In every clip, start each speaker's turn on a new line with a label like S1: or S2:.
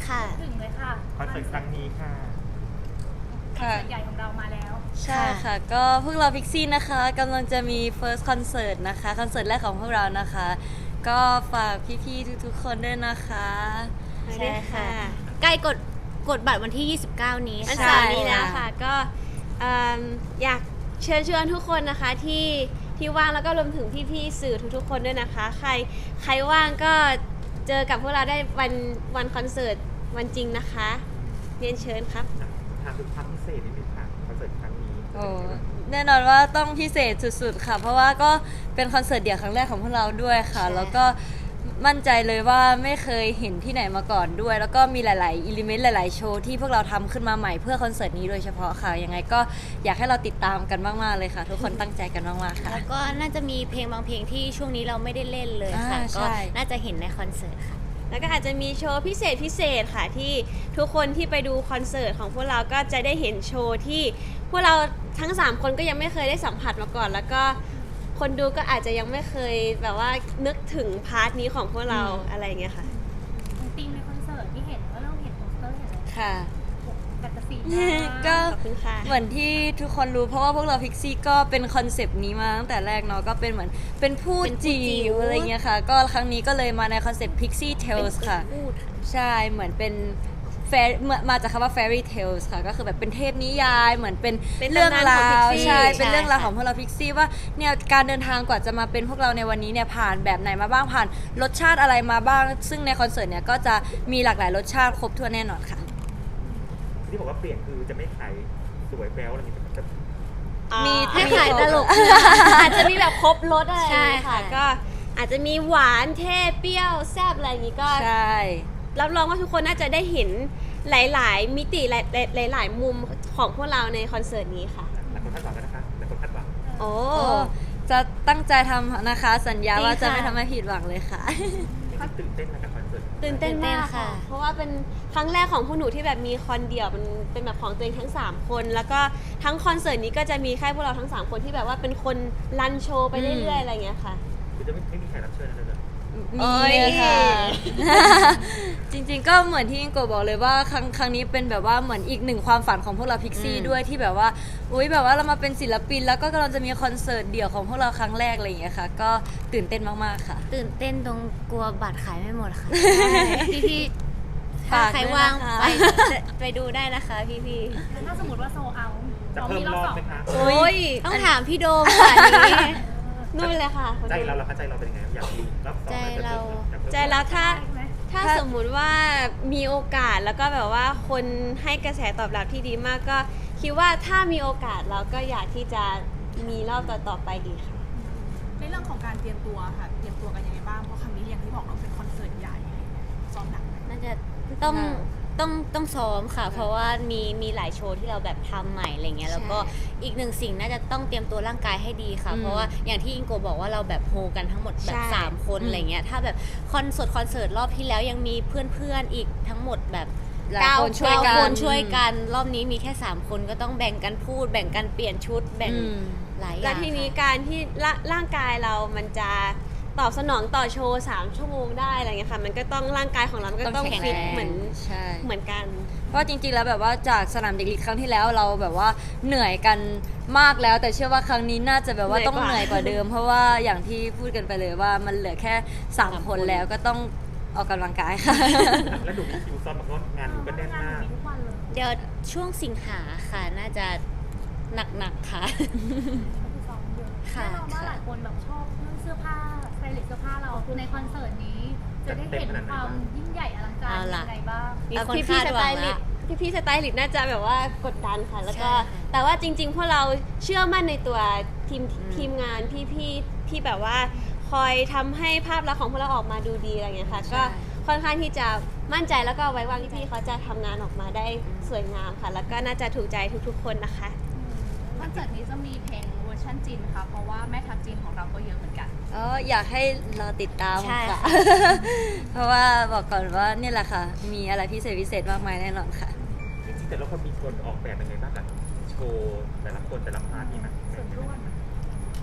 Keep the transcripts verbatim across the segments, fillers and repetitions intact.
S1: ค่ะ
S2: ถึงเลยค่ะ
S3: คอนเสิร์ตครั้งนี้ค่ะ
S2: คอนเสิร์ตใหญ่ของเรามาแล้ว
S1: ใช่ค่ะก็พวกเราพิกซี่นะคะกำลังจะมี first concert นะคะคอนเสิร์ตแรกของพวกเรานะคะก็ฝากพี่ๆทุกๆคนด้วยนะคะ
S4: ใช่ค่ะใกล้กดกดบัตรวันที่ยี่สิบเก้านี้วันเสาร์นี้แล้วค่ะก็อยากเชิญชวนทุกคนนะคะที่ที่ว่างแล้วก็รวมถึงพี่ๆสื่อทุกๆคนด้วยนะคะใครใครว่างก็เจอกับพวกเราได้วันวันคอนเสิร์ตวันจริงนะคะเรียนเชิญครับ
S3: ถามถึงความพิเศษนิดนึงค่ะคอนเสิร์ตครั้งนี้
S1: โอ้แน่นอนว่าต้องพิเศษสุดๆค่ะเพราะว่าก็เป็นคอนเสิร์ตเดี่ยวครั้งแรกของพวกเราด้วยค่ะแล้วก็มั่นใจเลยว่าไม่เคยเห็นที่ไหนมาก่อนด้วยแล้วก็มีหลายๆอิเลเมนต์หลายๆโชว์ที่พวกเราทำขึ้นมาใหม่เพื่อคอนเสิร์ตนี้โดยเฉพาะค่ะยังไงก็อยากให้เราติดตามกันมากๆเลยค่ะทุกคนตั้งใจกันมากๆค่ะ
S4: แล้วก็น่าจะมีเพลงบางเพลงที่ช่วงนี้เราไม่ได้เล่นเลยค่ะก็น่าจะเห็นในคอนเสิร์ตค่ะแล้วก็อาจจะมีโชว์พิเศษพิเศษค่ะที่ทุกคนที่ไปดูคอนเสิร์ตของพวกเราก็จะได้เห็นโชว์ที่พวกเราทั้งสามคนก็ยังไม่เคยได้สัมผัสมาก่อนแล้วก็คนดูก็อาจจะยังไม่เคยแบบว่านึกถึงพาร์ทนี้ของพวกเราอะไรอย่างเงี้ยค่ะ
S2: ธีมในคอนเสิร์ตที่เห็นว่าเราเห็นโปสเตอร์เห็นอะไร
S1: ค่ะ
S2: แฟนตาซี
S1: ก็เหมือนที่ทุกคนรู้เพราะว่าพวกเราพิกซี่ก็เป็นคอนเซปต์นี้มาตั้งแต่แรกเนาะก็เป็นเหมือนเป็นพูดจิ๋วอะไรเงี้ยค่ะก็ครั้งนี้ก็เลยมาในคอนเซปต์ Pixie Tales ค่ะใช่เหมือนเป็นมาจากคำว่า fairy tales ค่ะก็คือแบบเป็นเทพนิยายเหมือนเป็นเรื่องราวใช่เป็นเรื่องราวของพวกเราพิกซี่ว่าเนี่ยการเดินทางกว่าจะมาเป็นพวกเราในวันนี้เนี่ยผ่านแบบไหนมาบ้างผ่านรสชาติอะไรมาบ้างซึ่งในคอนเสิร์ตเนี่ยก็จะมีหลากหลายรสชาติครบถ้วนแน่นอนค่ะ
S3: ที่บอกว่าเปลี่ยนคือจะไม่ขายสวยแบ๊วอะไรอย่างเงี้ยจะ
S4: มีให้ขายตลกอาจจะมีแบบครบรสอะไรใช่ค่ะก็อาจจะมีหวานเท่เปรี้ยวแซ่บอะไรอย่างงี้ก็
S1: ใช่
S4: รับรองว่าทุกคนน่าจะได้เห็นหลายๆมิติหลายๆหลายๆมุมของพวกเราในคอนเสิร์ตนี้ค่ะ
S3: หลายคนคาดหวังกันนะคะหลายคนคาดหวัง
S4: โอ้
S1: จะตั้งใจทำนะคะสัญญาว่าจะไม่ทำให้ผิดหวังเลยค่ะ
S3: ตื่นเต้นนะกับคอนเสิร์ต
S4: ตื่นเต้นมากค่ะเพราะว่าเป็นครั้งแรกของพวกหนูที่แบบมีคอนเดี่ยวมันเป็นแบบของตัวเองทั้งสามคนแล้วก็ทั้งคอนเสิร์ตนี้ก็จะมีแค่พวกเราทั้งสามคนที่แบบว่าเป็นคนรันโชว์ไปเรื่อยๆอะไรอย่างเงี้ยค่ะ
S3: คือจะไม่ไม่มีแขกรับเชิญอะไรเลย
S1: มีค่ะจริงๆก็เหมือนที่อิงโกบอกเลยว่าครั้งครั้งนี้เป็นแบบว่าเหมือนอีกหนึ่งความฝันของพวกเราพิกซี่ด้วยที่แบบว่าอุ้ยแบบว่าเรามาเป็นศิลปินแล้วก็กำลังจะมีคอนเสิร์ตเดี่ยวของพวกเราครั้งแรกอะไรอย่างเงี้ยค่ะก็ตื่นเต้นมากๆค่ะ
S4: ตื่นเต้นตรงกลัวบัตรขายไม่หมดค่ะพี่ๆถ้าใครว่างไปไปดูได้นะคะพี่
S2: ๆถ้าสมมติว่าโซเอา
S3: จะเพิ่มรอบไหมคะ
S4: โอ้ยต้องถามพี่โดมค่ะนี้นู่นเลยค่ะ
S3: ใจเราเราใจเราเป็นยังไงอยากดูรอบสอง
S4: ใจเรา
S3: ใจ
S4: เราถ้าถ้าสมมุติว่ามีโอกาสแล้วก็แบบว่าคนให้กระแสตอบรับที่ดีมากก็คิดว่าถ้ามีโอกาสเราก็อยากที่จะมีรอบต่อๆไปอีกค่ะ
S2: ในเรื่องของการเตรียมตัวค่ะเตรียมตัวกันยังไงบ้างเพราะครั้งนี้อย่างที่บอกเราเป็นคอนเสิร์ตใหญ่ซ้อมหนัก
S4: น่าจะต้องต้องต้องซ้อมค่ะเพราะว่ามีมีหลายโชว์ที่เราแบบทำใหม่อะไรเงี้ยแล้วก็อีกหนึ่งสิ่งน่าจะต้องเตรียมตัวร่างกายให้ดีค่ะเพราะว่าอย่างที่อิงโกบอกว่าเราแบบโฮกันทั้งหมดแบบสามคนอะไรเงี้ยถ้าแบบคอนเสิร์ตคอนเสิร์ตรอบที่แล้วยังมีเพื่อนๆอีกทั้งหมดแบบเก้าคนช่วยกันช่วยกันรอบนี้มีแค่สามคนก็ต้องแบ่งกันพูดแบ่งกันเปลี่ยนชุดแบ่งหลายอย่างแล้วทีนี้การที่ร่างกายเรามันจะตอบสนองต่อโชว์สามชั่วโมงได้อะไรเงี้ยค่ะมันก็ต้องร่างกายของเราก็ต้องฟิตเหมือนเหมือนกัน
S1: เพราะจริงๆแล้วแบบว่าจากสนามเด็กเล็กครั้งที่แล้วเราแบบว่าเหนื่อยกันมากแล้วแต่เชื่อว่าครั้งนี้น่าจะแบบว่าต้องเหนื่อยกว่าเดิมเพราะว่าอย่างที่พูดกันไปเลยว่ามันเหลือแค่สามคนแล้วก็ต้องออกกำลังกายค่ะ
S3: แล้วดูมีคิวซ้อมแบบว่างานดูก็แน่นมาก
S4: เดี๋ยวช่วงสิงหาค่ะน่าจะหนักๆค่ะ
S2: ค่ะแน่นอนว่าหลายคนแบบชอบเรื่องเสื้อผ้าสไตลิสต์เสื้อผ้าเราในคอนเสิร์ตนี้จะได้เห็นความยิ่งใหญ่อลังการยังไงบ้าง
S4: มีคนคาดหวังละพี่พี่สไตลิสต์น่าจะแบบว่ากดดันค่ะแล้วก็แต่ว่าจริงๆพวกเราเชื่อมั่นในตัวทีมทีมงานพี่พี่ที่แบบว่าคอยทำให้ภาพลักษณ์ของพวกเราออกมาดูดีอะไรเงี้ยค่ะก็ค่อนข้างที่จะมั่นใจแล้วก็ไว้วางที่พี่เขาจะทำงานออกมาได้สวยงามค่ะแล้วก็น่าจะถูกใจทุกๆคนนะคะ
S2: คอนเสิร์ตนี้จะมีเพลงเวอร์ชันจีนค่ะเพราะว่าแม่ทัพจีนของเราก็เยอะเหมือนกัน
S1: อ๋ออยากให้เราติดตามค่ะเพราะว่าบอกก่อนว่านี่แหละค่ะมีอะไรพิเศษพิเศษมากมายแน่นอนค่ะ
S3: จริงๆแต่ละคนมีคนออกแบบยังไงบ้างกับโชว์แต่ละคนแต่ละพาร์ทมีไหมส่วนร่วม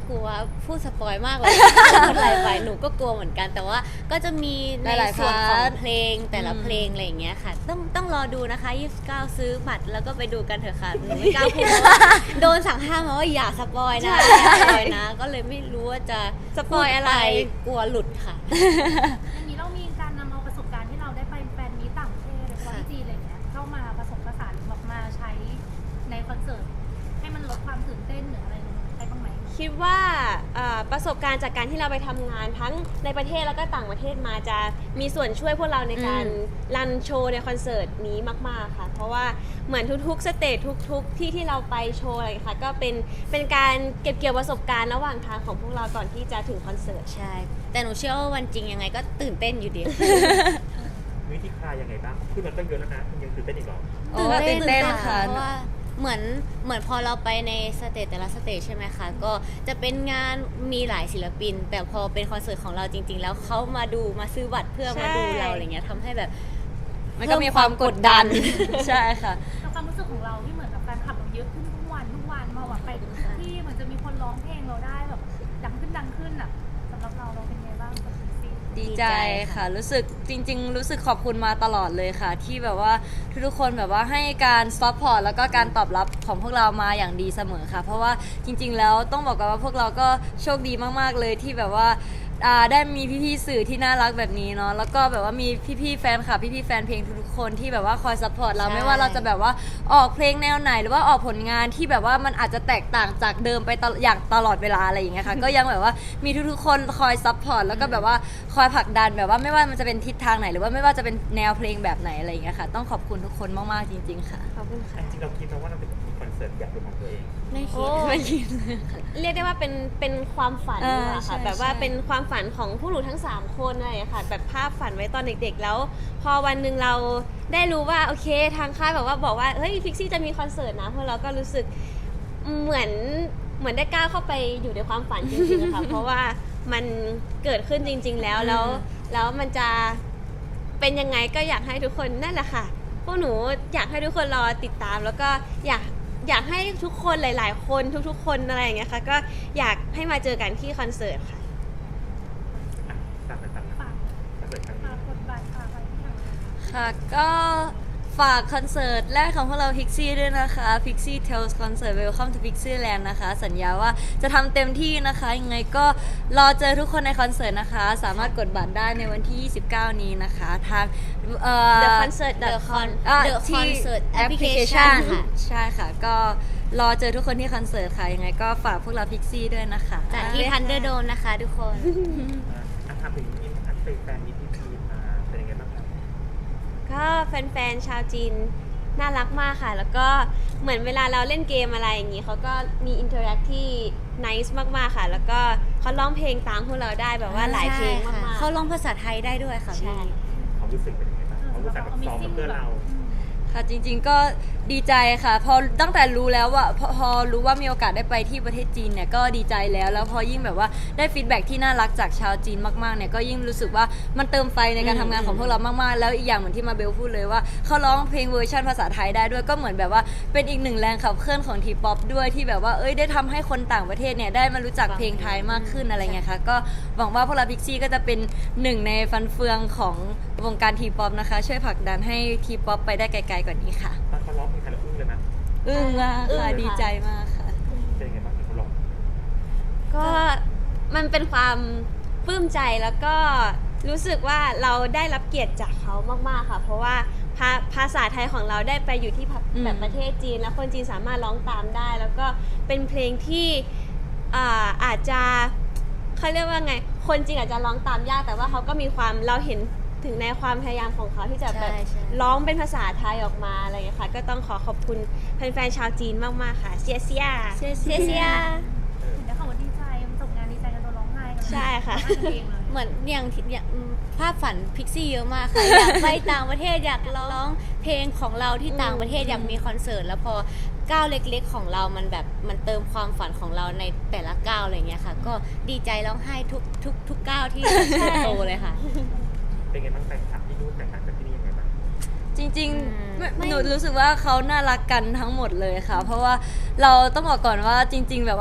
S4: กลัวพูดสปอยมากเลย พูดอะไรไปหนูก็กลัวเหมือนกัน แต่ว่าก็จะมีใน
S1: หลายๆ
S4: ส่วนขอ
S1: พาง ร์ท
S4: เพลงแต่ละ
S1: อืม
S4: เพลงอะไรอย่างเงี้ยค่ะ ต้องต้องรอดูนะคะยี่สิบเก้าซื้อบัตรแล้วก็ไปดูกันเถอะค่ะหนูไม่กล้าพูดเพราะว่าโดนสั่งห้ามมาว่าอย่าสปอยนะอย่าสปอยนะ ก็เลยไม่รู้ว่าจะ
S5: สปอยอะไร
S4: พูดปกลัวหลุดค่ะ
S2: อันนี้เรามีการนำเอาประสบการณ์ที่เราได้ไปแฟนมีตต่างประเทศหรือว่าที่จีนอะไรอย่างเงี้ยเข้ามาผสมผสานหรือแบบมาใช้ในคอนเสิร์ตให้มันลดความตื่นเต้นหรืออะไรใช้บ้างไหม
S5: คิดว่าเอ่อประสบการณ์จากการที่เราไปทำงานทั้งในประเทศแล้วก็ต่างประเทศมาจะมีส่วนช่วยพวกเราในการ
S1: อืม
S5: รันโชว์ในคอนเสิร์ตนี้มากๆค่ะ เพราะว่าเหมือนทุกๆสเตจทุกๆที่ที่เราไปโชว์อะไรอย่างเงี้ยค่ะก็เป็นเป็นการเก็บเกี่ยวประสบการณ์ระหว่างทางของพวกเราก่อนที่จะถึงคอนเสิร์ต
S4: ใช่ แต่หนูเชื่อว่าวันจริงยังไงก็ตื่นเต้นอยู่ดี
S3: วิธีคลายยังไงบ้างคือมันก็เยอะแล้วนะมันยังตื่นเต้นอีกเหรอ
S1: โอ้ตื่นเต้นค่ะ
S4: เพราะว่าเหมือนเหมือนพอเราไปในสเตจแต่ละสเตจใช่ไหมคะ ก็จะเป็นงานมีหลายศิลปิน แต่พอเป็นคอนเสิร์ตของเราจริง ๆ แล้วเขามาดูมาซื้อบัตรเพื่อมาดูเราอะไรเงี้ยทำให้แบบ
S1: มันก็มีความกดดัน ใช่ค่ะ
S2: แต่ความรู้สึกของเราที่เหมือนกับการขับเราเยอะขึ้นทุกวันทุกวันมาแบบไปทุกที่เหมือนจะมีคนร้องเพลงเราได้แบบดังขึ้นดังขึ้นอ่ะสำหรับเราเราเป็นไงบ้างกับซีซี
S1: ดีใจค่ะ รู้สึกจริง ๆ รู้สึกขอบคุณมาตลอดเลยค่ะ ที่แบบว่าทุกๆคนแบบว่าให้การซัพพอร์ตแล้วก็การตอบรับของพวกเรามาอย่างดีเสมอค่ะ เพราะว่าจริง ๆ แล้วต้องบอกกันว่าพวกเราก็โชคดีมากๆเลยที่แบบว่าอ่าได้มีพี่ๆสื่อที่น่ารักแบบนี้เนาะแล้วก็แบบว่ามีพี่ๆแฟนคลับพี่ๆแฟนเพลงทุกๆคนที่แบบว่าคอยซัพพอร์ตเรา
S4: ใช่
S1: ไม่ว่าเราจะแบบว่าออกเพลงแนวไหน หรือว่าออกผลงานที่แบบว่ามันอาจจะแตกต่างจากเดิมไปตลอดอย่างตลอดเวลาอะไรอย่างเงี้ยค่ะ ก็ยังแบบว่ามีทุกๆคนคอยซัพพอร์ตแล้วก็แบบว่าคอยผลักดันแบบว่าไม่ว่ามันจะเป็นทิศทางไหนหรือว่าไม่ว่าจะเป็นแนวเพลงแบบไหนอะไรอย่างเงี้ยค่ะ ต้องขอบคุณทุกคนมากๆจริง ๆ ค่ะ
S5: ขอบคุณค่ะ
S3: จริงๆเราคิดไหมว่าเราจะมีคอนเสิร์ตอยากเป็นของตัวเอง
S4: ไม่คิ
S5: โอ้
S4: ด
S1: ไม่คิดเลยค่ะ
S5: เรียกได้ว่าเป็นเป็นความฝัน
S1: เออ
S5: ดีกว่าค่ะ
S1: ใช่
S5: แบบว่า
S1: ใช่
S5: เป็นความฝันของพวกหนูทั้งสามคนอะไรอย่างเงี้ยค่ะแบบภาพฝันไว้ตอนเด็กๆแล้ว พอวันหนึ่งเราได้รู้ว่าโอเคทางค่ายแบบว่าบอกว่าเฮ้ยฟิกซี่จะมีคอนเสิร์ตนะพวกเราก็รู้สึกเหมือนเหมือนได้ก้าวเข้าไปอยู่ในความฝันจริงๆค่ะ เพราะว่ามันเกิดขึ้นจริง ๆ แล้วแล้วแล้วมันจะเป็นยังไงก็อยากให้ทุกคนนั่นแหละค่ะ พวกหนูอยากให้ทุกคนรอติดตาม แล้วก็อยากอยากให้ทุกคนหลาย ๆ คนทุก ๆ คนอะไรอย่างเงี้ยค่ะก็อยากให้มาเจอกันที่คอนเสิร์ตค่ะ
S3: อ่ะฝากไปฝาก
S2: ฝาก
S3: คอนเสิร์ตครั้ง
S2: ฝา
S3: นี้
S2: กกดบัตรฝากอะไรที่ทำ
S1: ค่ะก็ฝากคอนเสิร์ตแรกของพวกเรา Pixie ด้วยนะคะ Pixie Tales Concert Welcome to Pixie Land นะคะ สัญญาว่าจะทำเต็มที่นะคะ ยังไงก็รอเจอทุกคนในคอนเสิร์ตนะคะ สามารถกดบัตรได้ในวันที่ ยี่สิบเก้า นี้นะคะ ทางเอ่อ
S5: The Concert
S4: The Con
S1: อ่ะ
S4: The
S1: ที่
S4: Concert
S1: แอปพลิเค
S4: Application
S1: ชัน
S4: ค่ะ
S1: ใช่ค่ะ ก็รอเจอทุกคนที่คอนเสิร์ตค่ะ ยังไงก็ฝากพวกเรา Pixie ด้วยนะคะ
S4: จากที่ Thunderdome นะคะทุกคน
S3: อ่ะอ่ะถามถึงอินทัศน์แฟนมิตรที่จีนมาเป็นยังไงบ้างครับ
S5: ก็แฟนๆ ชาวจีนน่ารักมากค่ะ แล้วก็เหมือนเวลาเราเล่นเกมอะไรอย่างนี้เขาก็มีอินเทอร์แอคที่นิสมากๆค่ะ แล้วก็เขาร้องเพลงตามพวกเราได้แบบว่าหลายเพลงมากๆ
S4: เขาร้องภาษาไทยได้ด้วยค่ะ
S5: ใช่
S4: พี่
S3: ความรู้สึกเป็นยังไงบ้างความรู้สึกแบบซ้อมกับเพื่อนเรา
S1: ค่ะจริงๆก็ดีใจค่ะ พอตั้งแต่รู้แล้วว่าพอพอรู้ว่ามีโอกาสได้ไปที่ประเทศจีนเนี่ยก็ดีใจแล้วแล้วพอยิ่งแบบว่าได้ฟีดแบ็กที่น่ารักจากชาวจีนมากๆเนี่ยก็ยิ่งรู้สึกว่ามันเติมไฟในการทำงานของพวกเรามากๆแล้วอีกอย่างเหมือนที่มาเบลพูดเลยว่าเขาร้องเพลงเวอร์ชันภาษาไทยได้ด้วยก็เหมือนแบบว่าเป็นอีกหนึ่งแรงขับเคลื่อนของทีป๊อปด้วยที่แบบว่าเอ้ยได้ทำให้คนต่างประเทศเนี่ยได้มารู้จักเพลงไทยมากขึ้นอะไรเงี้ยค่ะก็หวังว่าพวกเราพิกซี่ก็จะเป็นหนึ่งในฟันเฟืองของวงการทีป๊อปนะคะช่วยผลักดันให้ทีป๊อปไปได้ไกลๆกว่านี้ค่ะ
S3: ตอนเขาร้องเพลงไทยเราอึ้งเลยนะ
S1: อึ้งมาก
S5: อึ้ง
S1: ค่ะ
S5: ค่ะ
S1: ดีใจมากค่ะ
S3: เป็นยังไงบ้างที่เขาร้อง
S5: ก็มันเป็นความปลื้มใจแล้วก็รู้สึกว่าเราได้รับเกียรติจากเขามากๆค่ะ เพราะว่าภาภาษาไทยของเราได้ไปอยู่ที่ภา
S1: อืม
S5: แบบประเทศจีน แล้วคนจีนสามารถร้องตามได้ แล้วก็เป็นเพลงที่อ่าอาจจะเขาเรียกว่าไง คนจีนอาจจะร้องตามยากแต่ว่าเขาก็มีความเราเห็นถึงในความพยายามของเขาที่จะแบบ
S4: ใช่ใช่
S5: ร้องเป็นภาษาไทยออกมาอะไรอย่างเงี้ยค่ะก็ต้องขอขอบคุณแฟนๆชาวจีนมากๆค่ะเซียเซีย
S1: เซียเซีย
S5: เซีย
S3: เออ
S2: ถึงได้คำว่าดีใจมันจบงานดีใจกันตัวร้องไห้กันเลย
S5: ใช่ค่ะ
S2: ร้องไห้กันเองเลย
S4: เหมือนอย่างที่อย่างอืมภาพฝันพิกซี่เยอะมากค่ะ อยากไปต่างประเทศอยากร้องเพลงของเราที่ต่างประเทศอยากมีคอนเสิร์ตแล้วพอก้าวเล็กๆของเรามันแบบมันเติมความฝันของเราในแต่ละก้าวอะไรเงี้ยค่ะ ก็ดีใจร้องไห้ทุกทุกทุกก้าวที่โตเลยค่ะ
S3: เป็นไงบ้างแฟนคลับที่นู่นแตกต่างจากที่นี่ยังไงบ้าง
S1: จริง
S4: อืม
S1: ๆไม่หนูรู้สึกว่าเขาน่ารักกันทั้งหมดเลยค่ะ เพราะว่าเราต้องบอกก่อนว่าจริง ๆ แบบว่า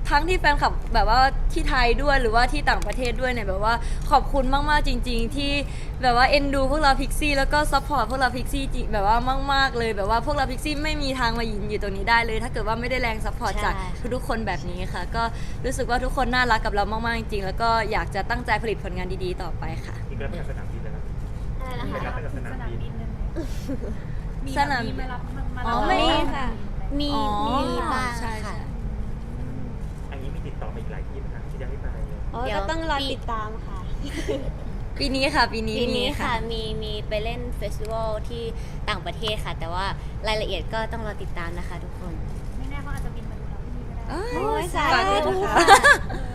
S1: ทั้งที่แฟนคลับแบบว่าที่ไทยด้วยหรือว่าที่ต่างประเทศด้วยเนี่ยแบบว่าขอบคุณมากๆจริง ๆ ที่แบบว่าเอ็นดูพวกเราพิกซี่แล้วก็ซัพพอร์ตพวกเราพิกซี่แบบว่ามากๆเลยแบบว่าพวกเราพิกซี่ไม่มีทางมายืนอยู่ตรงนี้ได้เลย ถ้าเกิดว่าไม่ได้แรงซัพพอร์ต
S4: ใช่
S1: จากทุกๆคนแบบนี้ค่ะ ก็รู้สึกว่าทุกคนน่ารักกับเรามากๆจริงๆแล้วก็อยากจะตั้งใจผลิตผลงานดีๆต่อไปค่ะ
S3: อีกแล้วไปกับสนามบินเลยนะ
S5: อะไรนะ
S3: ไป
S5: คะ
S3: รับไปกับสนามบิน
S2: เลยไหมมี
S1: สนาม
S2: มีมารับมามา
S1: อ๋
S2: รั
S1: อบ ไม่
S5: มีค่ะ
S4: มี
S1: อ๋อ
S4: มีบ้าง
S1: ใช่ใช่
S4: ค่ะ
S3: อันนี้มีติดต่อมาอีกหลายที่นะคะที่จะให้ไปเลย
S5: โอ้
S4: เดี๋ยว
S5: ก็ต้องรอ
S4: ปี
S5: ติดตามค่ะ
S1: ปีนี้ค่ะ ปีนี้
S4: ปี
S1: มี
S4: นี้ค่ะ
S1: ค่ะ
S4: มีมีไปเล่นเฟสติวัลที่ต่างประเทศค่ะ แต่ว่ารายละเอียดก็ต้องรอติดตามนะคะทุกคน
S2: ไม่แน่เขาอาจจะบินมาดูเราที่นี่ก็ได้
S1: เอ้ย
S5: โอ้ยสา
S1: ฝากด้วย
S5: ธุ
S1: นะคะ
S5: ค่ะ
S2: เออ